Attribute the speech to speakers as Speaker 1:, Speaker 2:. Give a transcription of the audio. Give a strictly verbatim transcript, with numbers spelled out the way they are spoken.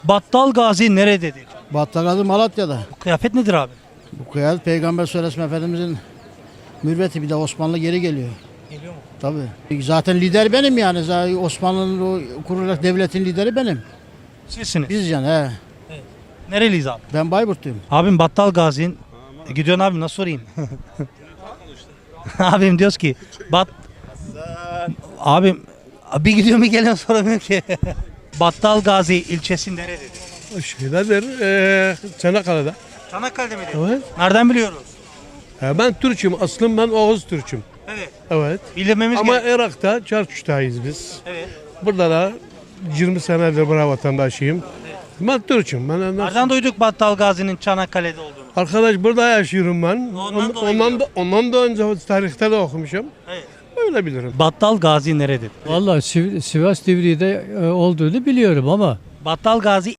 Speaker 1: Battal Gazi nerededir?
Speaker 2: Battagazi Malatya'da.
Speaker 1: Bu kıyafet nedir abi?
Speaker 2: Bu kıyafet Peygamber Söylesim Efendimizin mürveti, bir de Osmanlı geri geliyor.
Speaker 1: Geliyor mu?
Speaker 2: Tabii. Zaten lider benim yani. Zaten Osmanlı'nın o kurulacak devletin lideri benim.
Speaker 1: Sizsiniz.
Speaker 2: Biz yani he.
Speaker 1: Nereliyiz abi?
Speaker 2: Ben Bayburtluyum.
Speaker 1: Abim Battal Gazi'nin e, gidiyorsun abi nasıl sorayım? Abim diyoruz ki Bat Abim bir gidiyor mu geliyor soramıyor ki. Battal Gazi ilçesi nerededir?
Speaker 3: Şeydedir, eee Çanakkale'de.
Speaker 1: Çanakkale'de mi?
Speaker 3: Evet.
Speaker 1: Nereden biliyoruz?
Speaker 3: Ha, ben Türk'üm, aslım ben Oğuz Türk'üm.
Speaker 1: Evet.
Speaker 3: Evet.
Speaker 1: Bilmemiz
Speaker 3: Ama
Speaker 1: gerekiyor.
Speaker 3: Irak'ta Çarkuş'tayız biz.
Speaker 1: Evet.
Speaker 3: Burada da yirmi senedir burada vatandaşıyım. Ben Türk'üm. Ben
Speaker 1: Nereden duyduk Battal Gazi'nin Çanakkale'de olduğunu?
Speaker 3: Arkadaş burada yaşıyorum ben.
Speaker 1: Ondan dolayı
Speaker 3: ondan da ondan da önce tarihte de okumuşum.
Speaker 1: Evet.
Speaker 3: Öyle bilirim.
Speaker 1: Battal Gazi nerededir?
Speaker 4: Vallahi Siv- Sivas Divriği'de e, olduğunu biliyorum ama
Speaker 1: Battal Gazi